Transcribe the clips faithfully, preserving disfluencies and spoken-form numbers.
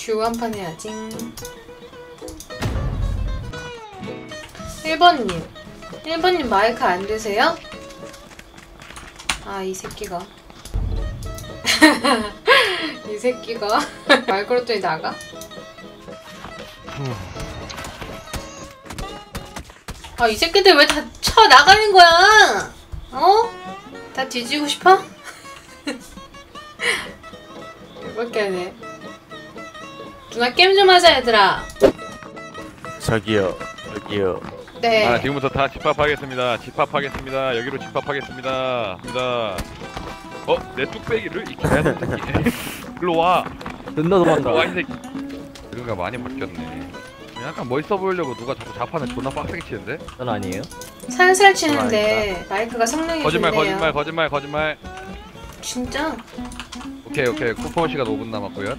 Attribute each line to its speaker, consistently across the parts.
Speaker 1: 듀오 한 판 해야지. 일 번님 일 번님 마이크 안 되세요? 아 이 새끼가 이 새끼가 말 걸었더니 나가? 아 이 새끼들 왜 다 쳐 나가는 거야? 어? 다 뒤지고 싶어? 이렇게 하네. 누나 게임 좀 하자 얘들아.
Speaker 2: 저기요 저기요.
Speaker 1: 네.
Speaker 3: 아 지금부터 다 집합하겠습니다. 집합하겠습니다. 여기로 집합하겠습니다. 입니다. 어? 내 뚝배기를 이 개새끼. 일로 와.
Speaker 2: 존나 도망가.
Speaker 3: 와 이 새끼. 이런가 많이 바뀌었네. 약간 멋있어 보이려고 누가 자꾸 자판을 존나 빡세게 치는데?
Speaker 2: 전 아니에요.
Speaker 1: 살살 치는데 마이크가 성능이
Speaker 3: 거짓말
Speaker 1: 좋네요.
Speaker 3: 거짓말 거짓말 거짓말.
Speaker 1: 진짜?
Speaker 3: 오케이 오케이 쿠폰 시간 오 분 남았고요.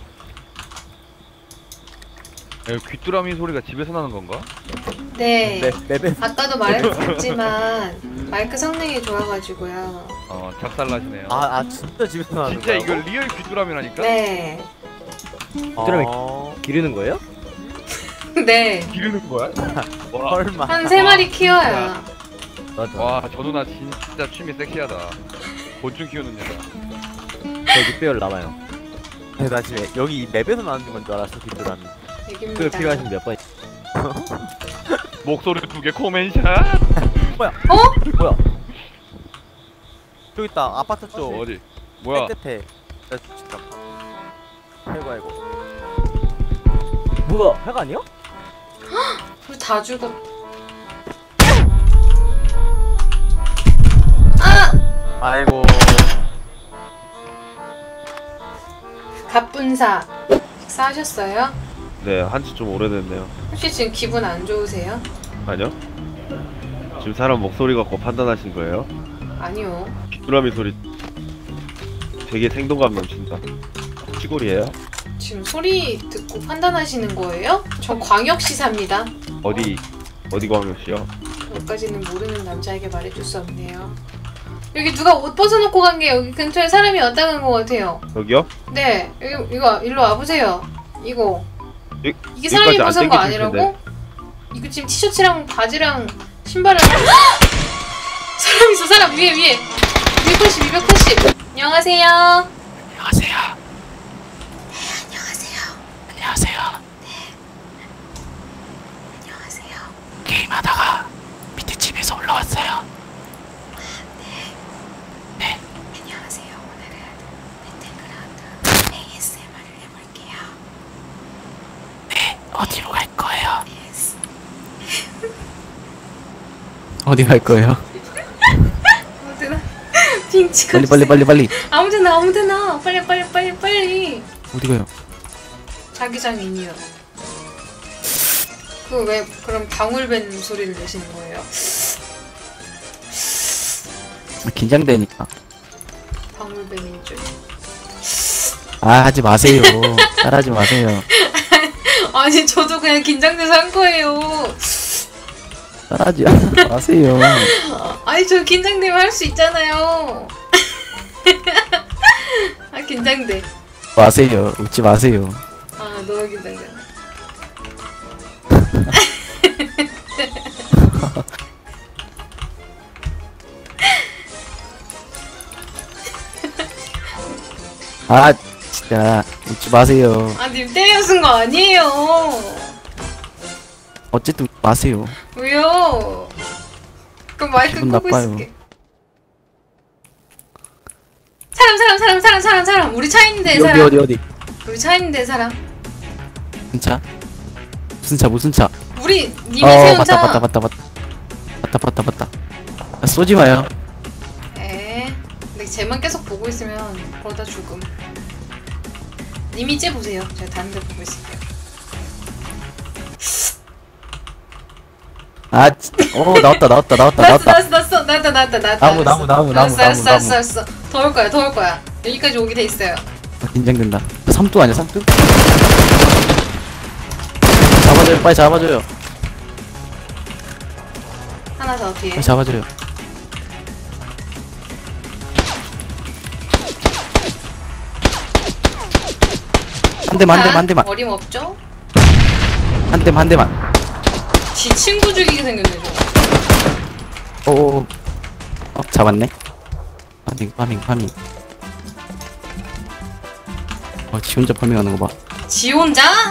Speaker 3: 여기 귀뚜라미 소리가 집에서 나는 건가?
Speaker 1: 네.
Speaker 2: 네, 맵에
Speaker 1: 아까도 말했지만 마이크 성능이 좋아가지고요.
Speaker 3: 어 작살나시네요.
Speaker 2: 아, 아 진짜 집에서 나는
Speaker 3: 진짜
Speaker 2: 거라고?
Speaker 3: 이거 리얼 귀뚜라미라니까?
Speaker 1: 네.
Speaker 2: 귀뚜라미 기르는 거예요?
Speaker 1: 네.
Speaker 3: 기르는 거야? 와,
Speaker 2: 설마.
Speaker 1: 한 세 마리 키워야.
Speaker 2: 맞아.
Speaker 3: 와, 저 누나 진짜 취미 섹시하다. 곤충 키우는 여자.
Speaker 2: 저 육 배열 남아요. 네, 나 지금 여기 이 맵에서 나는 건 줄 알았어 귀뚜라미. 그
Speaker 1: 얘기입니다.
Speaker 2: 필요하신 몇 번?
Speaker 3: 목소리 두 개 코멘샷.
Speaker 2: 뭐야?
Speaker 1: 어?
Speaker 2: 뭐야? 저기 있다. 아파트 쪽.
Speaker 3: 어디? 뭐야?
Speaker 2: 끝에. 나 진짜. 아이고 아이고. 뭐야? 해가 아니야?
Speaker 1: 우리 다 죽었. 아!
Speaker 2: 아이고.
Speaker 1: 갑분사 식사하셨어요?
Speaker 4: 네, 한지 좀 오래됐네요.
Speaker 1: 혹시 지금 기분 안 좋으세요?
Speaker 4: 아니요? 지금 사람 목소리 갖고 판단하신 거예요?
Speaker 1: 아니요.
Speaker 4: 귀뚜라미 소리 되게 생동감 넘친다. 시골이에요?
Speaker 1: 지금 소리 듣고 판단하시는 거예요? 저 광역시사입니다.
Speaker 4: 어디 어디 광역시요?
Speaker 1: 여기까지는 모르는 남자에게 말해줄 수 없네요. 여기 누가 옷 벗어놓고 간 게 여기 근처에 사람이 왔다 간 것 같아요.
Speaker 4: 여기요?
Speaker 1: 네, 여기, 이거 일로 와보세요. 이거
Speaker 4: 여,
Speaker 1: 이게 사람이
Speaker 4: 여기까지 안
Speaker 1: 벗은 거
Speaker 4: 땡기실
Speaker 1: 아니라고?
Speaker 4: 텐데.
Speaker 1: 이거 지금 티셔츠랑 바지랑 신발을 사람 있어. 사람 위에 위에 이백팔십 이백팔십. 안녕하세요.
Speaker 5: 안녕하세요.
Speaker 1: 안녕하세요.
Speaker 5: 안녕하세요.
Speaker 1: 안녕하세요.
Speaker 5: 게임하다가 밑에 집에서 올라왔어요. 네.
Speaker 1: 안녕하세요. 오늘은 배틀그라운드 에이에스엠알을 해볼게요.
Speaker 5: 네. 어디로 갈 거예요?
Speaker 1: 예스.
Speaker 5: 어디 갈 거예요?
Speaker 1: 아무데나 핑 찍어.
Speaker 5: 빨리 빨리 빨리 빨리.
Speaker 1: 아무데나 아무데나 빨리 빨리 빨리 빨리.
Speaker 5: 어디 가요?
Speaker 1: 자기장인이요. 그 왜 그럼 방울뱀 소리를 내시는 거예요?
Speaker 5: 긴장되니까.
Speaker 1: 방울뱀인 줄.
Speaker 5: 아 하지 마세요. 따라하지 마세요.
Speaker 1: 아니 저도 그냥 긴장돼서 한 거예요.
Speaker 5: 따라하지 마세요.
Speaker 1: 아니 저 긴장되면 할 수 있잖아요. 아 긴장돼.
Speaker 5: 마세요. 웃지 마세요.
Speaker 1: 아 너무 긴장돼.
Speaker 5: 아 진짜 웃지 마세요.
Speaker 1: 아 님 때려 쓴 거 아니에요.
Speaker 5: 어쨌든 웃지 마세요.
Speaker 1: 왜요? 그럼 마이크
Speaker 5: 기분
Speaker 1: 끄고
Speaker 5: 나빠요.
Speaker 1: 있을게. 사람 사람 사람 사람 사람 사람 우리 차 있는데
Speaker 5: 어디
Speaker 1: 사람
Speaker 5: 어디 어디?
Speaker 1: 우리 차 있는데 사람
Speaker 5: 무슨 차? 무슨 차 무슨 차?
Speaker 1: 우리 님이
Speaker 5: 어
Speaker 1: 세운
Speaker 5: 맞다
Speaker 1: 차.
Speaker 5: 맞다 맞다 맞다 맞다 맞다 맞다. 아, 쏘지 마요.
Speaker 1: 에 근데 쟤만 계속 보고 있으면 그러다 죽음. 님이 쟤 보세요. 제가 다른 데 보고 있을게요.
Speaker 5: 아, 진- 어 나왔다 나왔다 나왔다
Speaker 1: 나왔어
Speaker 5: 나왔다.
Speaker 1: 나왔어 나왔어 나왔다 나왔다 나왔다.
Speaker 5: 나무, 나무, 나무, 나무,
Speaker 1: 알았어 알았어
Speaker 5: 나무,
Speaker 1: 알았어 알았어. 더 올 거야 더 올 거야. 여기까지 오게 돼 있어요.
Speaker 5: 아, 긴장된다. 삼두 아니야 삼두? 잡아줘요 빨리 잡아줘요.
Speaker 1: 하나 더 뒤에.
Speaker 5: 빨리 잡아줘요. 한 대만, 한 대만, 한 대만.
Speaker 1: 어림없죠?
Speaker 5: 한 대만, 한 대만.
Speaker 1: 지 친구 죽이게 생겼네 저.
Speaker 5: 오, 어, 잡았네. 파밍, 파밍, 파밍. 어, 지 혼자 파밍하는 거 봐.
Speaker 1: 지 혼자?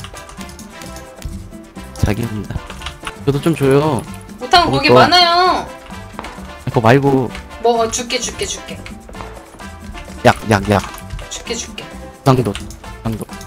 Speaker 5: 자기 혼자. 저도 좀 줘요.
Speaker 1: 못한 거
Speaker 5: 먹을
Speaker 1: 거기
Speaker 5: 거.
Speaker 1: 많아요.
Speaker 5: 그거 말고,
Speaker 1: 뭐 어, 줄게 줄게 줄게
Speaker 5: 약, 약, 약.
Speaker 1: 줄게 줄게.
Speaker 5: 상도, 상도.